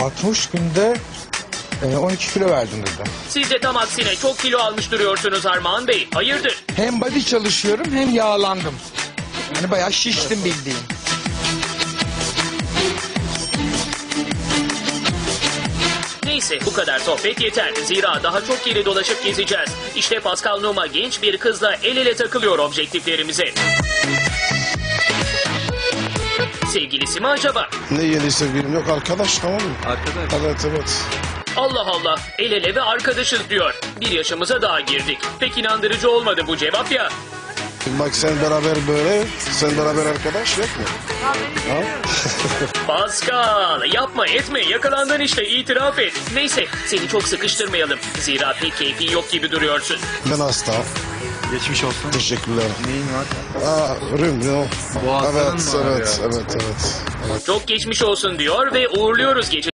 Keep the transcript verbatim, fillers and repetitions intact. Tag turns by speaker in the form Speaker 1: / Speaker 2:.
Speaker 1: altmış günde e, on iki kilo verdim dedi.
Speaker 2: Siz de tam aksine çok kilo almış duruyorsunuz Armağan Bey. Hayırdır?
Speaker 1: Hem body çalışıyorum hem yağlandım. Yani bayağı şiştim bildiğin.
Speaker 2: Neyse bu kadar sohbet yeter. Zira daha çok yeri dolaşıp gezeceğiz. İşte Pascal Numa genç bir kızla el ele takılıyor objektiflerimize. Sevgilisi mi acaba?
Speaker 3: Ne yeni sevgilim yok, arkadaş, tamam mı?
Speaker 4: Arkadaş.
Speaker 3: Evet evet.
Speaker 2: Allah Allah, el ele ve arkadaşız diyor. Bir yaşımıza daha girdik. Pek inandırıcı olmadı bu cevap ya.
Speaker 3: Bak sen beraber böyle, sen beraber arkadaş yok mu? Ha?
Speaker 2: Pascal yapma etme, yakalandın işte, itiraf et. Neyse seni çok sıkıştırmayalım. Zira pek keyfin yok gibi duruyorsun.
Speaker 3: Ben hasta.
Speaker 4: Geçmiş olsun.
Speaker 3: Teşekkürler.
Speaker 4: Neyin var?
Speaker 3: Aa, rüm yok.
Speaker 4: Boğazların
Speaker 3: Evet,
Speaker 4: mı
Speaker 3: evet,
Speaker 4: ağrıyor?
Speaker 3: evet, evet.
Speaker 2: Çok geçmiş olsun diyor ve uğurluyoruz gece.